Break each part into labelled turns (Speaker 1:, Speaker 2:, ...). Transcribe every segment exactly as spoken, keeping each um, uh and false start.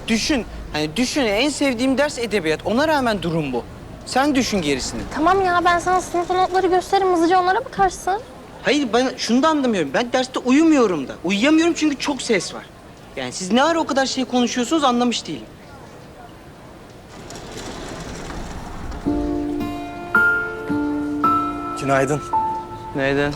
Speaker 1: düşün. Hani düşün, en sevdiğim ders edebiyat. Ona rağmen durum bu. Sen düşün gerisini.
Speaker 2: Tamam ya, ben sana sınıfta notları gösteririm. Hızlıca onlara bakarsın.
Speaker 1: Hayır, ben şunu da anlamıyorum. Ben derste uyumuyorum da. Uyuyamıyorum çünkü çok ses var. Yani siz ne ara o kadar şey konuşuyorsunuz anlamış değilim.
Speaker 3: Günaydın.
Speaker 1: Neyden?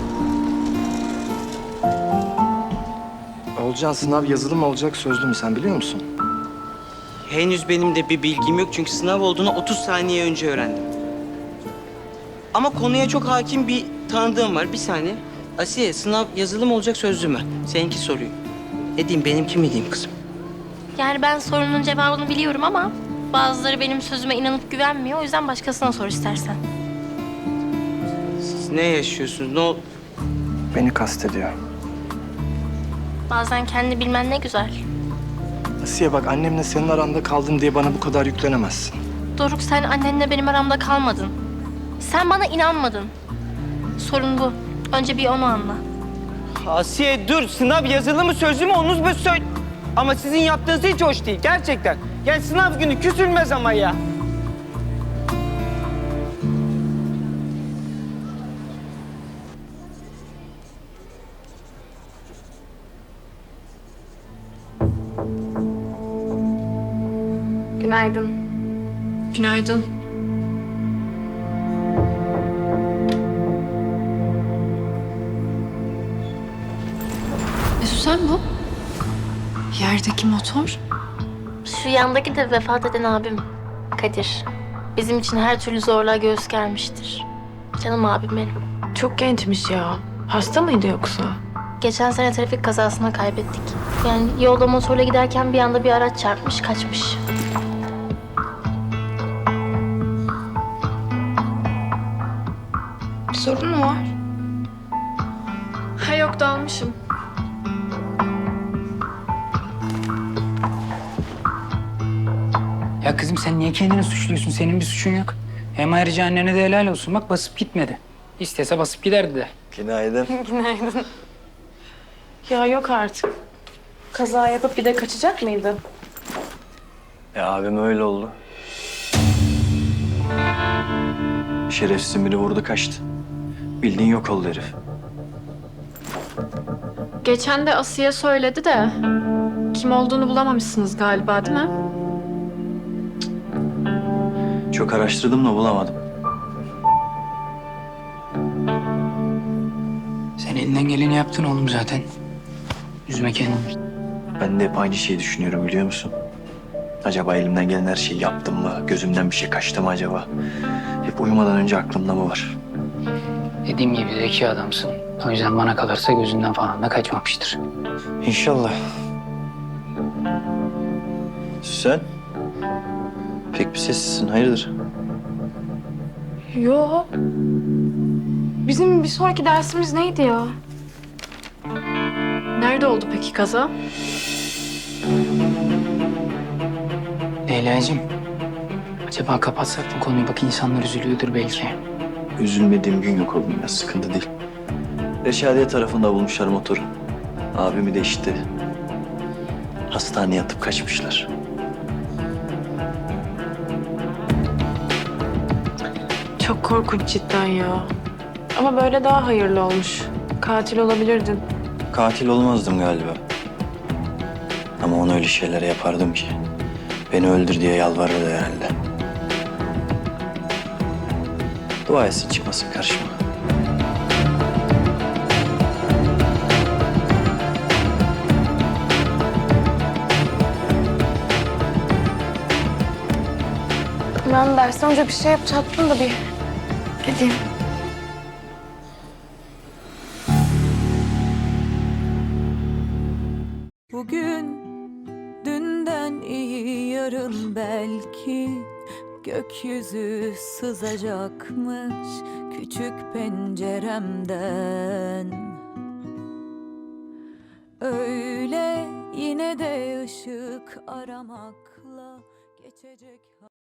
Speaker 3: Olcan, sınav yazılı mı olacak, sözlü mü, sen biliyor musun?
Speaker 1: Henüz benim de bir bilgim yok çünkü sınav olduğunu otuz saniye önce öğrendim. Ama konuya çok hakim bir tanıdığım var. Bir saniye. Asiye, sınav yazılı mı olacak, sözlü mü? Seninki soruyu. Ne diyeyim, benimki mi diyeyim kızım?
Speaker 2: Yani ben sorunun cevabını biliyorum ama bazıları benim sözüme inanıp güvenmiyor. O yüzden başkasına sor istersen.
Speaker 1: Siz ne yaşıyorsunuz? Ne ol...
Speaker 3: Beni kastediyor.
Speaker 2: Bazen kendi bilmen ne güzel.
Speaker 3: Asiye bak, annemle senin aranda kaldım diye bana bu kadar yüklenemezsin.
Speaker 2: Doruk, sen annenle benim aramda kalmadın. Sen bana inanmadın. Sorun bu. Önce bir onu anla.
Speaker 1: Asiye dur, sınav yazılı mı sözlü mü onu bir söyle. Ama sizin yaptığınız hiç hoş değil gerçekten. Yani sınav günü küsülmez ama ya.
Speaker 4: Günaydın.
Speaker 5: Günaydın. Mesut, sen bu? Yerdeki motor.
Speaker 2: Şu yandaki de vefat eden abim Kadir. Bizim için her türlü zorluğa göğüs germiştir. Canım abim benim.
Speaker 5: Çok gençmiş ya. Hasta mıydı yoksa?
Speaker 2: Geçen sene trafik kazasına kaybettik. Yani yolda motorla giderken bir anda bir araç çarpmış, kaçmış.
Speaker 5: Bir sorun mu var? Ha yok, dalmışım.
Speaker 6: Ya kızım sen niye kendini suçluyorsun? Senin bir suçun yok. Hem ayrıca annene de helal olsun. Bak basıp gitmedi. İstese basıp giderdi de.
Speaker 3: Günaydın.
Speaker 5: Günaydın. Ya yok artık. Kaza yapıp bir de kaçacak mıydı?
Speaker 7: Ya abim öyle oldu. Şerefsizin biri vurdu kaçtı. Bildiğin yok oldu herif.
Speaker 5: Geçen de Asiye söyledi de kim olduğunu bulamamışsınız galiba, değil mi?
Speaker 7: Çok araştırdım da bulamadım.
Speaker 6: Sen elinden geleni yaptın oğlum zaten. Üzme kendini.
Speaker 7: Ben de hep aynı şeyi düşünüyorum biliyor musun? Acaba elimden gelen her şeyi yaptım mı? Gözümden bir şey kaçtı mı acaba? Hep uyumadan önce aklımda mı var?
Speaker 6: Dediğim gibi zeki adamsın. O yüzden bana kalırsa gözünden falan da kaçmamıştır.
Speaker 7: İnşallah. Sen? Pek bir sessizsin, hayırdır?
Speaker 5: Yo. Bizim bir sonraki dersimiz neydi ya? Nerede oldu peki kaza?
Speaker 6: Leyla'cığım. Acaba kapatsak bu konuyu? Bak insanlar üzülüyordur belki.
Speaker 7: Üzülmediğim gün yok oğlum ya, sıkıntı değil. Reşadiye tarafında bulmuşlar motoru. Abimi de işte hastaneye yatıp kaçmışlar.
Speaker 5: Çok korkunç cidden ya. Ama böyle daha hayırlı olmuş. Katil olabilirdin.
Speaker 7: Katil olmazdım galiba. Ama ona öyle şeyler yapardım ki. Beni öldür diye yalvarırdı herhalde. Dua etsin çıkmasın karşıma.
Speaker 4: Ben dersten önce bir şey yapacaktım da bir gideyim.
Speaker 8: Bugün dünden iyi yarın belki gökyüzü sızacakmış küçük penceremden. Öyle yine de ışık aramakla geçecek.